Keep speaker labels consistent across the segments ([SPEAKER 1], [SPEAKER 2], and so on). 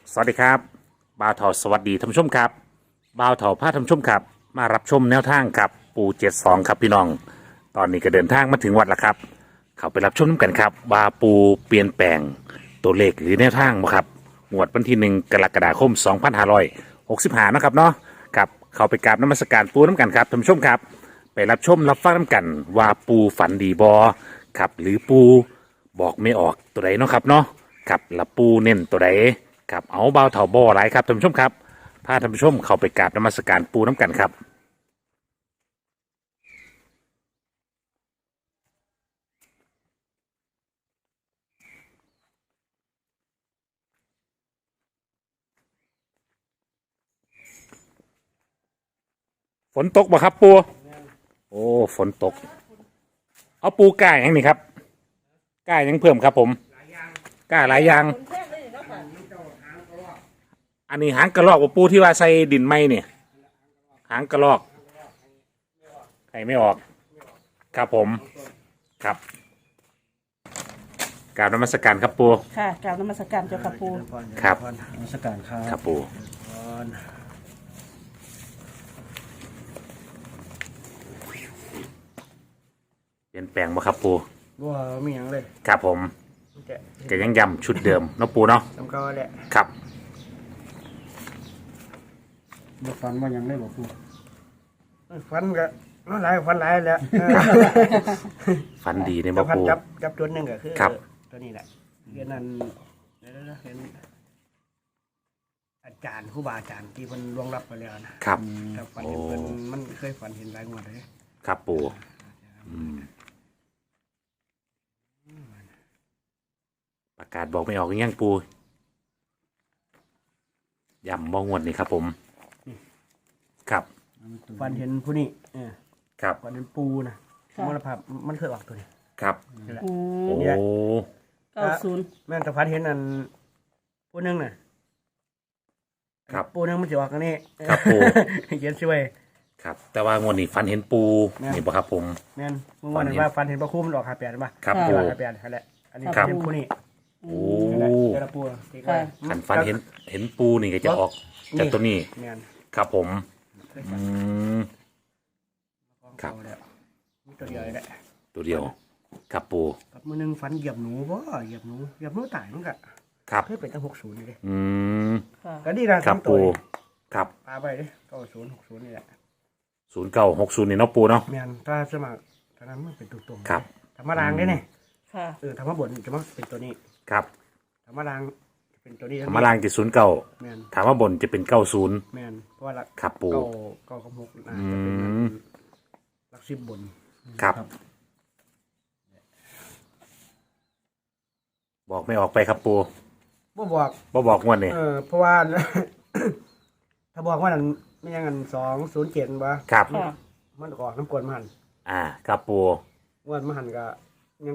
[SPEAKER 1] สวัสดีครับบ่าวเถาสวัสดีท่านผู้ชมครับบ่าวเถาพาท่านผู้ชมครับมารับชมแนวทางครับปู72ครับพี่น้องตอนนี้ก็เดินทางมาถึงวัดแล้วครับเข้าไปรับชมกันครับว่าปูเปลี่ยนแปลงตัวเลขหรือแนวทางบ่ครับงวดวันที่1 กรกฎาคม2565นะครับเนาะครับเข้าไปกราบนมัสการปูน้ำกันครับท่านผู้ชมครับไปรับชมรับฟังน้ำกันว่าปูฝันดีบอครับหรือปูบอกไม่ออกตัวใดเนาะครับเนาะครับแล้วปูเน้นตัวใด ครับเอาเบาเถาบ่อไรครับท่านผู้ชมครับพาท่านผู้ชมเข้าไปกราบนมัสการปูน้ำกันครับฝนตกบ่ครับปูโอ้ฝนตกเอาปูกล้าอย่างนี้ครับกล้ายังเพิ่มครับผมกล้าหลายอย่างอันนี้หางกระรอกบ่ปูที่ว่าใส่ดินไม้เนี่ยหางกระรอกใครไม่ออกครับผมครับกราบนมัสการครับปู
[SPEAKER 2] ค่ะกราบนมัสการเจ้าค่ะปู
[SPEAKER 1] ครับ
[SPEAKER 3] นมัสการครั
[SPEAKER 1] ครับ
[SPEAKER 3] บ
[SPEAKER 1] ปูเปลี่ยนแปลงบ่ครับปู
[SPEAKER 3] ว่ามีอย่างเลย
[SPEAKER 1] ครับผมก็ยังย้ำชุดเดิมเนาะปูเนาะ
[SPEAKER 3] จำก็แหละ
[SPEAKER 1] ครับ
[SPEAKER 3] บ่ฟันว่าอย่างเลยบอกกูฟันก็น้หลายฟันหลายแล้ว
[SPEAKER 1] ฝันดีในบ่ปู
[SPEAKER 3] จับตัวหนึ่งก็คือตัวนี้แหละเรียนนั้นเห็นอาจารย์ครูบาอาจารย์ที่เพิ่นล่วงลับไปแล้วนะครับแต่ฝันเห็นเพิ่นมันเคยฝันเห็นหลายงวดเลย
[SPEAKER 1] ครับปูประกาศบอกไม่ออกยังปูย้ำบ่งวดนี่ครับผมครับ
[SPEAKER 3] ฝันเห็นผู้นี้
[SPEAKER 1] ครับ
[SPEAKER 3] ฝันเห็นปูนะมรณภาพมันเคยออกตัวนี้
[SPEAKER 1] ครับโอ้
[SPEAKER 2] 90
[SPEAKER 3] แม่นแต่ฝันเห็นอันผู้นึงน่ะ
[SPEAKER 1] ครับ
[SPEAKER 3] ปูนึงมันจะออกอันนี้
[SPEAKER 1] ครับปู
[SPEAKER 3] เขียนช่วย
[SPEAKER 1] ครับแต่ว่างวดนี้ฝันเห็นปูนี่บ่ครับผม
[SPEAKER 3] แม่นเมื่อวานว่าฝันเห็นพระคุ้มมันออก58ป่ะ
[SPEAKER 1] ครับปู
[SPEAKER 3] 58นั่นแหละอันนี้เป็นผู้นี้
[SPEAKER 1] โอ้
[SPEAKER 3] เจ้าปู
[SPEAKER 1] ขันฝันเห็นปูนี่ก็จะออกจากตัวนี้ครับผมครับ
[SPEAKER 3] ตัวเดียวแหละ
[SPEAKER 1] ตัวเดียวครับปู
[SPEAKER 3] กับมือนึงฝันเหยียบหนูบ่เหยียบหนูตายมันก็
[SPEAKER 1] ครับ
[SPEAKER 3] เคยเป็นตั้ง60นี่เลยก็ดี
[SPEAKER 1] นะครับปูครับ
[SPEAKER 3] ปาไปเลย90 60นี่แหละ
[SPEAKER 1] 0960นี่เนาะปูเนาะ
[SPEAKER 3] แม่นถ้าสมัครตอนนั้นมันเป็นตัวๆ
[SPEAKER 1] ครับ
[SPEAKER 3] ธรรมดาได้เนี่ย
[SPEAKER 2] ค่ะ
[SPEAKER 3] ธรรมบทจะมาเป็นตัวนี้
[SPEAKER 1] ครับ
[SPEAKER 3] ธรรมดาเป็นตัวนี้
[SPEAKER 1] ธรรมดาจะ09
[SPEAKER 3] แม่น
[SPEAKER 1] ถามว่าบนจะเป็น90
[SPEAKER 3] แม่นเพราะว่า
[SPEAKER 1] ครับปู
[SPEAKER 3] 9กับ6จะเป็นหลัก10บน
[SPEAKER 1] ครับบอกไม่ออกไปครับปูบอกงวดนี่
[SPEAKER 3] เพราะว่าถ้าบอกว่านั้นไม่ยังกัน207บ่
[SPEAKER 1] ครับ
[SPEAKER 3] มันออกน้ำกวนมัน
[SPEAKER 1] ครับปู
[SPEAKER 3] งวดมันก็ยัง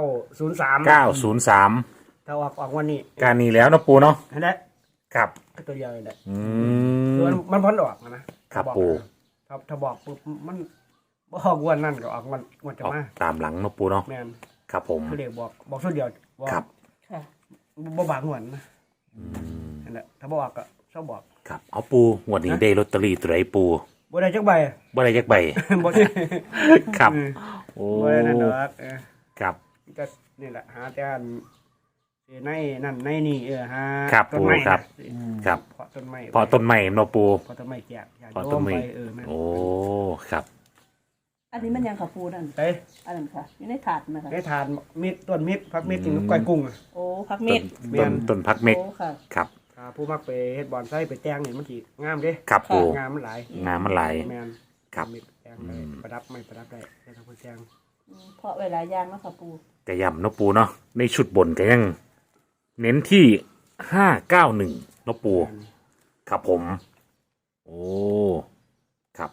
[SPEAKER 3] 903ถ้าออกวันนี้
[SPEAKER 1] การนี้แล้วนะปูเนาะ
[SPEAKER 3] นั่นแหละ
[SPEAKER 1] ครับ
[SPEAKER 3] ตัวเดียวเลยแหละมันพ้นออกนะครับ
[SPEAKER 1] ปู
[SPEAKER 3] ถ้าบอกปุ๊บมันบอกวันนั่นก็ออกวันจะมา
[SPEAKER 1] ตามหลังนะปูเนาะ
[SPEAKER 3] แม่น
[SPEAKER 1] ครับผม
[SPEAKER 3] คือเด็กบอกสุดเดียว
[SPEAKER 1] ครับ
[SPEAKER 3] ค่ะบ่บางหัวนะนั่นแหละถ้าบอกก็ชอบบอก
[SPEAKER 1] ครับเอาปูงวดนี้ได้ลอตเตอรี่ตัวไหนปู
[SPEAKER 3] บ่ได้จักใบบ่ได้
[SPEAKER 1] ครับโอ้
[SPEAKER 3] บ่ได้นั่นดอก
[SPEAKER 1] ครับ
[SPEAKER 3] ก็นี่แหละหาแต่ในนั่นในนี่หา
[SPEAKER 1] ต้นไม้ครับเพาะต้นไม้เนาะปู
[SPEAKER 3] เพาะต้นไม้แจก
[SPEAKER 1] เพาะต้นไม้โอ้ครับ
[SPEAKER 2] อันนี้มันยังค่ะปูนั่นอันนั้นค่ะอยู่ในถาดนะคะ
[SPEAKER 3] ในถาดมิดต้นมิดพักมิดถึงก้อยกุ้ง
[SPEAKER 2] โอ้พักมิด
[SPEAKER 1] ต้นพักเม็ดครับ
[SPEAKER 3] ผู้มักไปเฮ็ดบอนไส้ไปแจ้งนี่มันสิงามเด้
[SPEAKER 1] ครับปู
[SPEAKER 3] งามมันหลาย
[SPEAKER 1] แม่นครับ
[SPEAKER 3] แจ้งได้ประดับไม่ประดับได้ให้ทางผู้แจ้ง
[SPEAKER 2] เพราะเวลาย่างเนาะค่ะปู
[SPEAKER 1] กระยำเนาะปูเนาะในชุดบนก็ยังเน้นที่591เนาะปูครับผมโอ้ครับ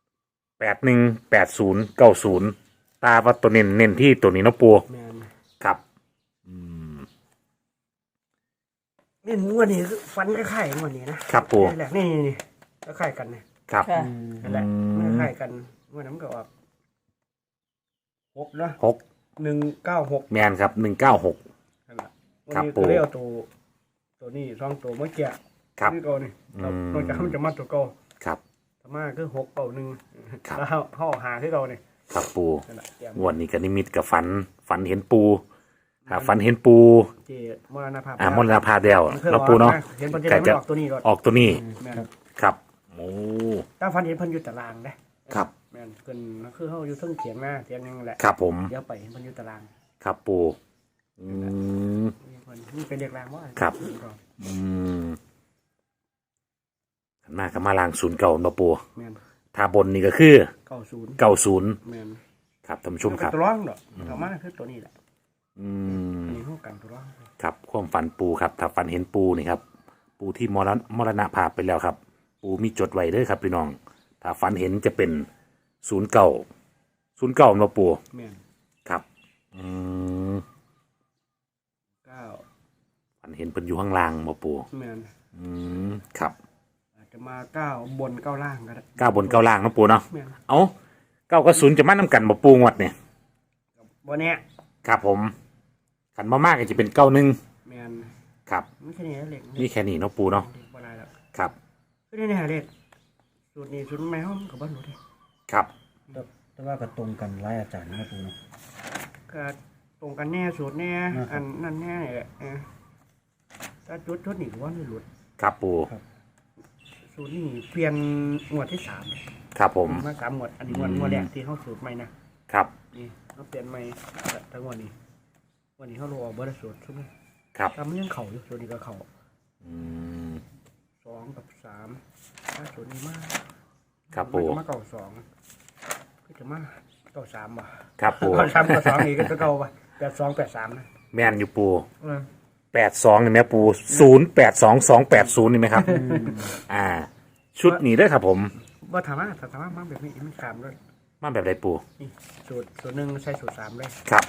[SPEAKER 1] 818090ตาว่าตัวเน้นที่ตัวนี้เนาะปูครับ
[SPEAKER 3] นี่งวดนี้ฟันคล้ายๆงวดนี้นะครับ
[SPEAKER 1] ปู
[SPEAKER 3] แหละนี่คล้ายๆกัน
[SPEAKER 1] นะครับ
[SPEAKER 3] นั่นแหละคล้ายกันงวดนั้นก็ออก6เนาะ196
[SPEAKER 1] แม่นครับ196
[SPEAKER 3] นั่นแหละครับปูเรียกตัวนี้สองตัวเมื่อกี้
[SPEAKER 1] ครับ
[SPEAKER 3] นี่ตัวนี่นอกจากมันจะมาตัวเก่า
[SPEAKER 1] ครับ
[SPEAKER 3] ธรรมะคือ6 เก่า1
[SPEAKER 1] ครับ
[SPEAKER 3] แล้วเฮาหาที่เรานี่
[SPEAKER 1] ครับปู
[SPEAKER 3] นั่นแหละแกม
[SPEAKER 1] งวันนี้ก็นิมิตกับฝันเห็นปูฝันเห็นปู
[SPEAKER 3] ที่มรณภาพ
[SPEAKER 1] มรณภาพแล้ว
[SPEAKER 3] มันคย
[SPEAKER 1] เราปูเนาะ
[SPEAKER 3] เห็นเพิ่นจะได้มันออกตัวนี้ก่อน
[SPEAKER 1] ออกตัวนี้
[SPEAKER 3] แม่น
[SPEAKER 1] ครับโอ้
[SPEAKER 3] ถ้าฟันเห็นเพิ่นอยู่ตารางเด้
[SPEAKER 1] ครับ
[SPEAKER 3] แม่นเพิ่นคือเฮาอยู่เทิงเถียงหน้าเถียงหนึงแหละ
[SPEAKER 1] ครับผม
[SPEAKER 3] เดี๋ยวไปเห็นเพิ่นอยู่ตาราง
[SPEAKER 1] ครับปูอืม
[SPEAKER 3] เพิ่นนี่เป็นเด็กรางว่า
[SPEAKER 1] ครับ อืมขันมากกับมาลางศูนย์เก่าเนาะปู
[SPEAKER 3] แม่น
[SPEAKER 1] ถ้าบนนี่ก็คือ
[SPEAKER 3] 90
[SPEAKER 1] 90
[SPEAKER 3] แม่น
[SPEAKER 1] ครับท่านผู้ชมครับ
[SPEAKER 3] ตัวร้องดอกธรรมะคือตัวนี้แหละ
[SPEAKER 1] อืม
[SPEAKER 3] อันนี้เฮากันตัวร้อง
[SPEAKER 1] ครับความฝันปูครับถ้าฝันเห็นปูนี่ครับปูที่มรณภาพไปแล้วครับ ปูมีจดไว้เด้อครับพี่น้อง ถ้าฝันเห็นจะเป็น09เนาะปู
[SPEAKER 3] แม่น
[SPEAKER 1] ครับอืม
[SPEAKER 3] 9
[SPEAKER 1] ฝันเห็นเพิ่นอยู่ข้างล่างบ่ปู
[SPEAKER 3] แม่น
[SPEAKER 1] อืมครับ
[SPEAKER 3] อาจจะมา9บน9ล่างก็ได้
[SPEAKER 1] 9บน9ล่างเนาะปูเนาะ
[SPEAKER 3] แม่น
[SPEAKER 1] เอ้า9กับ0จะมานํกันบ่ปูงวดเนี่ย
[SPEAKER 3] บ่แน่
[SPEAKER 1] ครับผมขันมามากก็จะเป็น91
[SPEAKER 3] แม่น
[SPEAKER 1] ครับ
[SPEAKER 3] มันแค่นี้เล็ก
[SPEAKER 1] นี่แค่นี้เนาะปูเนาะ
[SPEAKER 3] บ่ได้แล้ว
[SPEAKER 1] ครับ
[SPEAKER 3] คือนี่เล็กสูตรนี้สูตรแม่เฮาก็บ่รู้เด้
[SPEAKER 1] ครับ
[SPEAKER 4] แต่ว่าก็ตรงกันหลายอาจารย์นะปูเนาะ
[SPEAKER 3] ก็ตรงกันแน่สูตรแน่อันนั่นแน่นี่แหละถ้าจุดนี่ก็ว่าไม่หลุด
[SPEAKER 1] ครับปู
[SPEAKER 3] สูตรนี่เปลี่ยนงวดที่3เลย
[SPEAKER 1] ครับผม
[SPEAKER 3] มา3งวดอันนี้งวดแรกที่เฮาสูตรใหม่นะครับ นี่เฮาเปลี่ยนใหม่ทั้งงวดนี้วันนี้เฮาลงออกบ่ได้สูตรซุม
[SPEAKER 1] ครับ
[SPEAKER 3] ทำยังเข้าอยู่สูตรนี้ก็เข้า
[SPEAKER 1] อืม
[SPEAKER 3] 2กับ3ถ้าสูตรนี้มา
[SPEAKER 1] ครับปู
[SPEAKER 3] มาเก่า2ก็จะมาเก่า3บ่
[SPEAKER 1] ครับปู
[SPEAKER 3] เก่า3กับ2นี่ก็เก่าบ่82 83นะ
[SPEAKER 1] แม่นอยู่ปู
[SPEAKER 3] เออ
[SPEAKER 1] 82นี่ไหมปู082280นี่ไหมครับชุดนี้เด้อครับผม
[SPEAKER 3] ว่าถามว่ามาแบบนี้มันขามเลย
[SPEAKER 1] มาแบบไรปู
[SPEAKER 3] นี่สูตรหนึ่งใช้สูตร3เลย
[SPEAKER 1] ครับ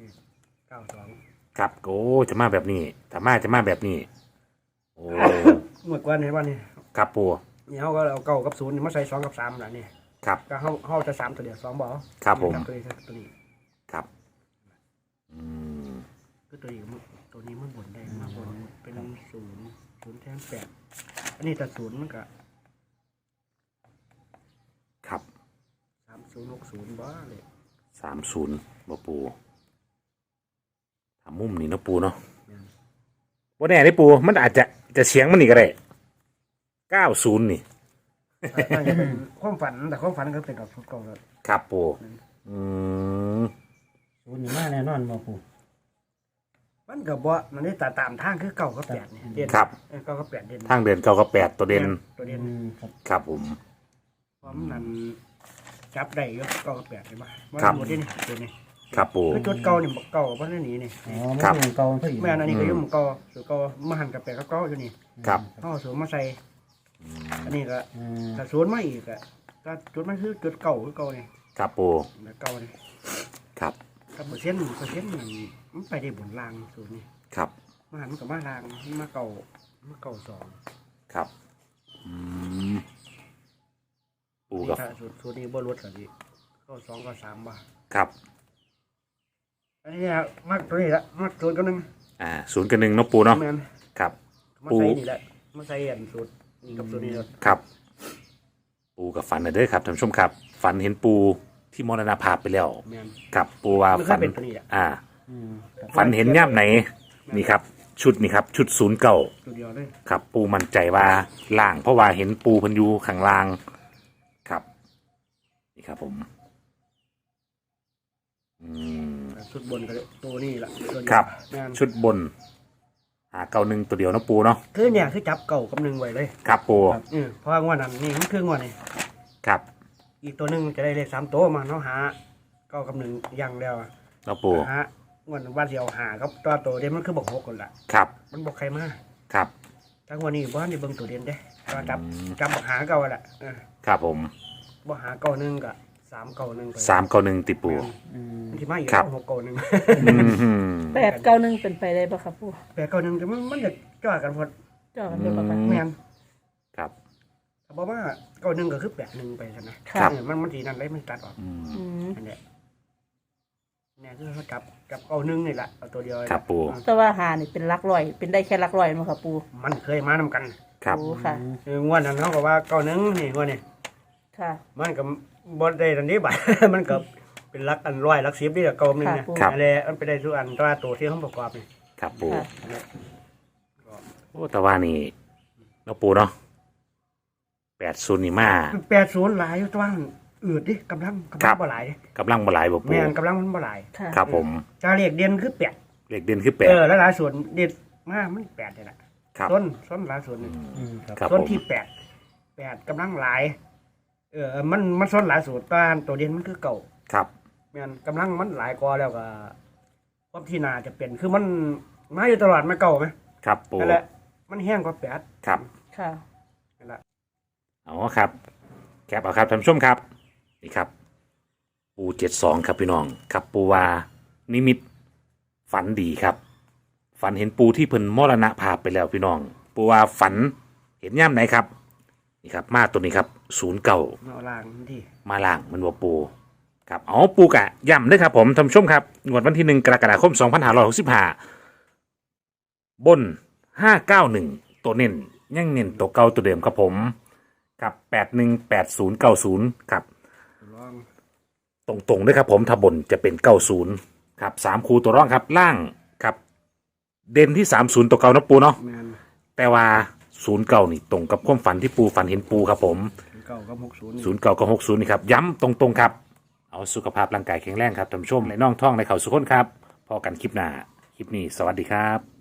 [SPEAKER 3] 92
[SPEAKER 1] ครับโอ้จะมาแบบนี้ถ้ามาจะมาแบบนี้โอ้
[SPEAKER 3] เมื่อก่อนเห็นว่านี่
[SPEAKER 1] ครับปู
[SPEAKER 3] นี่เขาก็เอา9กับ0นี่มาใส่2กับ3ล่ะนี่
[SPEAKER 1] ครับ
[SPEAKER 3] ก็เขาจะ3ตัวเดียว2บ่
[SPEAKER 1] ครับผม
[SPEAKER 3] ตัวนี้
[SPEAKER 1] ครับอืม
[SPEAKER 3] คือตัวนี้มันบนได้มาบนเป็น0แทน8อันนี้แต่0มันก็
[SPEAKER 1] ครับ
[SPEAKER 3] 3060บ่เลย
[SPEAKER 1] 30บ่ปูทำมุมนี่เนาะปูเนาะว่าแน่ได้ปูมันอาจจะเฉียงมันนี่ก็ได้90นี่
[SPEAKER 3] มันจะเป็นความฝันแต่ความฝันก็เป็นกับเก่าแล้ว
[SPEAKER 1] ครับปูอืม
[SPEAKER 4] ศูนย์นี่มาแน่นอนบ่ปู
[SPEAKER 3] มันก็บ่มันได้ตามทางคือ9กับ8นี่เด่น
[SPEAKER 1] ครับ
[SPEAKER 3] 9กับ8เด่น
[SPEAKER 1] ทางเดิน9กับ8ตัวเด่น
[SPEAKER 3] ตัวเด่น
[SPEAKER 4] ครับ
[SPEAKER 1] ครับผม
[SPEAKER 3] พร้อมนั้นจับได้ก็เก่ากับ8ใช่ป่ะว่า
[SPEAKER 1] ครับ
[SPEAKER 3] หมดนี่ตัวนี้
[SPEAKER 1] ครับปู
[SPEAKER 3] คือจุดเก่านี่บ่เก่าบ่ได้หนีนี่
[SPEAKER 4] อ๋อ
[SPEAKER 1] ครั
[SPEAKER 4] มัน
[SPEAKER 1] บ
[SPEAKER 4] ยังเก่าเท่าอีก
[SPEAKER 3] แม่นอันนี้ก็อยู่หมู่เก่าสูตรเก่ามาหันกับ8กับเก่าอยู่นี่
[SPEAKER 1] ครับ
[SPEAKER 3] เฮาสูตรมาใส่อันนี้ก็
[SPEAKER 4] อืม
[SPEAKER 3] ถ้าสูตรมาอีกก็ถ้าจุดมันคือจุดเก่าคือเก่านี่
[SPEAKER 1] ครับปู
[SPEAKER 3] แบบเก่านี่
[SPEAKER 1] ครับ
[SPEAKER 3] กับเปอร์เซ็นต์นี่มันไปได้บนรางสูตรนี่
[SPEAKER 1] ครับ
[SPEAKER 3] มาหันมันก็มารางมาเก่า2
[SPEAKER 1] ครับอืมปูกับ
[SPEAKER 3] ถ้าสูตรนี้บ่ลดก็สิเก่า2ก็3บ่
[SPEAKER 1] ครับ
[SPEAKER 3] อันนี้มักตัวนี้ละมักสูตรก็นึง
[SPEAKER 1] 0กับ1เนาะปูเนาะ
[SPEAKER 3] แม่น
[SPEAKER 1] ครับ
[SPEAKER 3] มาใส่นี่แหละมาใส่อันสูตรนี่กับตัวนี้เลย
[SPEAKER 1] ครับ ปูกับฝันนะเด้อครับท่านผู้ชมครับ ฝันเห็นปูที่มรณภาพไปแล้ว
[SPEAKER 3] แม่น
[SPEAKER 1] ครับปูว่า
[SPEAKER 3] มันเค
[SPEAKER 1] ฝั
[SPEAKER 3] ย
[SPEAKER 1] น
[SPEAKER 3] เป็นตัวนี้แหละ
[SPEAKER 4] อืมครับ
[SPEAKER 1] ฝันเห็นย่ำไหนนี่ครับ ชุดนี่ครับ ชุด09
[SPEAKER 3] ตัวเดียวเลย
[SPEAKER 1] ครับ ปูมั่นใจว่าล่าง เพราะว่าเห็นปูเพันอยูข้างล่างครับ นี่ครับผมอืม
[SPEAKER 3] ชุดบนก็เลยตัวนี้แหละตัวเดียว
[SPEAKER 1] ครับ
[SPEAKER 3] แม่น
[SPEAKER 1] ชุดบน91ตัวเดียวเนาะปูเนาะ
[SPEAKER 3] คือเนี่ยคือจับเก่ากับหนึ่งไว้เลย
[SPEAKER 1] ครับปู
[SPEAKER 3] เพราะว่างวดนั้นนี่มันคืองวดนี่
[SPEAKER 1] ครับ
[SPEAKER 3] อีกตัวหนึงจะได้เลข3ตัวมาเนาะหาเก่ากับหนึ่งอย่างเดียว
[SPEAKER 1] เนาะปู
[SPEAKER 3] หางวดวันเดียวหากับตัวโตเด่นมันคือบอก6คนละ
[SPEAKER 1] ครับ
[SPEAKER 3] มันบอกใครมา
[SPEAKER 1] ครับ
[SPEAKER 3] ทั้งวันนี้บ้านนี่เบิ่งตัวเด่นเด้ก็จับบอกหาเก่าแหละ
[SPEAKER 1] ครับผม
[SPEAKER 3] บอกหาเก่าหนึ่งกับ3เก่าหนึ่งไป
[SPEAKER 1] 391ติปู
[SPEAKER 4] อืม
[SPEAKER 3] ที่มาอีก
[SPEAKER 1] ครับ
[SPEAKER 3] 6เก่าหนึ่ง
[SPEAKER 1] อืม
[SPEAKER 2] 891เป็นไปได้ปะครับปู
[SPEAKER 3] แต่เก่าหนึ่งแต่มันจะจ่อกันพอด
[SPEAKER 2] เจาะกันได้ปะครับ
[SPEAKER 3] แม่น
[SPEAKER 1] ครับ
[SPEAKER 3] ถ้าบอกว่าเก่าหนึ่งก็คือ8 1ไปซะนะ
[SPEAKER 1] ครับ
[SPEAKER 3] มันสีนั่นเลยมันตัดออก
[SPEAKER 1] อืม
[SPEAKER 2] อืม
[SPEAKER 3] อันเนี้ยเนี่ยคือเขาจับเอาหนึ่งนี่แหละเอาตัวเดียวเลย
[SPEAKER 1] ครับปู
[SPEAKER 2] แต่ว่าหานี่เป็นหลักร้อยเป็นได้แค่หลักร้อยมั้งค่ะปู
[SPEAKER 3] มันเคยมานำกัน
[SPEAKER 1] ครับ
[SPEAKER 2] โอ้ค่ะ
[SPEAKER 3] งวดนั้นเขาก็ว่าเก้าหนึ่งนี่งวดนี้
[SPEAKER 2] ค่ะ
[SPEAKER 3] มันก็บดได้ทันทีบัด มันก็เป็นลักอันร้อยลัก10นี่แหละเก้าหนึ่งเนี่ย
[SPEAKER 2] ครับ
[SPEAKER 3] อะไรมันไปได้ทุกอันตัวตัวที่เขาประกอบนี่
[SPEAKER 1] ครับปู
[SPEAKER 2] ค่ะ
[SPEAKER 1] โอ้แต่ว่านี่เนาะปูเนาะ80นี่มา
[SPEAKER 3] 80หลายอยู่ตัวนั้นอืดดิกำลังบ่หลาย
[SPEAKER 1] กำลังบ่หลายบ่ปู
[SPEAKER 3] แม่นกำลังมันบ่หลาย
[SPEAKER 2] ค่ะ
[SPEAKER 1] ครับผม
[SPEAKER 3] จาเรียกเด่นคือ8
[SPEAKER 1] เลขเด่นคือ
[SPEAKER 3] แล้วหลายส่วนเด็ดมากมัน8นี่แหละ
[SPEAKER 1] 8ครับ
[SPEAKER 3] ต้นหลายส่วนนี่
[SPEAKER 4] ครับ
[SPEAKER 1] ครับ
[SPEAKER 3] ส่วน
[SPEAKER 1] ผม
[SPEAKER 3] ที่8กำลังหลายมันส่วนหลายส่วนตัวเด่นมันคือเก่า
[SPEAKER 1] ครับ
[SPEAKER 3] แม่นกำลังมันหลายกว่าแล้วก็ความที่นาจะเป็นคือมันมาอยู่ตลอดไม่เก่าไหม
[SPEAKER 1] ครับปู
[SPEAKER 3] นั่นแหละมันแห้งกว่า8
[SPEAKER 1] ครับ
[SPEAKER 2] ค่ะ
[SPEAKER 3] นั่นแหละ
[SPEAKER 1] เอาครับแคปเอาครับท่านผู้ชมครับนี่ครับ ปู72ครับพี่น้องครับปูวานิมิตฝันดีครับ ฝันเห็นปูที่เพิ่นมรณภาพไปแล้วพี่น้อง ปูวาฝันเห็นย่ำไหนครับนี่ครับมาตัวนี้ครับ09
[SPEAKER 3] มาเอาล่างที่
[SPEAKER 1] มาล่างมันว่าปูครับเอาปูกะย่ำด้วยครับผมท่านผู้ชมครับงวดวันที่1 กรกฎาคม 2565 บน 591 ตัวเน้นยังเน้นตัวเก่าตัวเดิมครับผมกับ818090ครับ
[SPEAKER 3] ลอง
[SPEAKER 1] ตรงๆด้วยครับผมถ้าบนจะเป็น 90ครับ3คูตัวร่องครับล่างครับ เด่นที่ 30 ตัวเก่านะปูเนาะ
[SPEAKER 3] แมน
[SPEAKER 1] แต่ว่า09นี่ตรงกับความฝันที่ปูฝันเห็นปูครับผม
[SPEAKER 3] เก่ากับ60
[SPEAKER 1] 09กับ60นี่ครับย้ำตรงๆครับเอาสุขภาพร่างกายแข็งแรงครับท่านผู้ชมในน่องท่องในเข่าสุขคนครับพอกันคลิปหน้าคลิปนี้สวัสดีครับ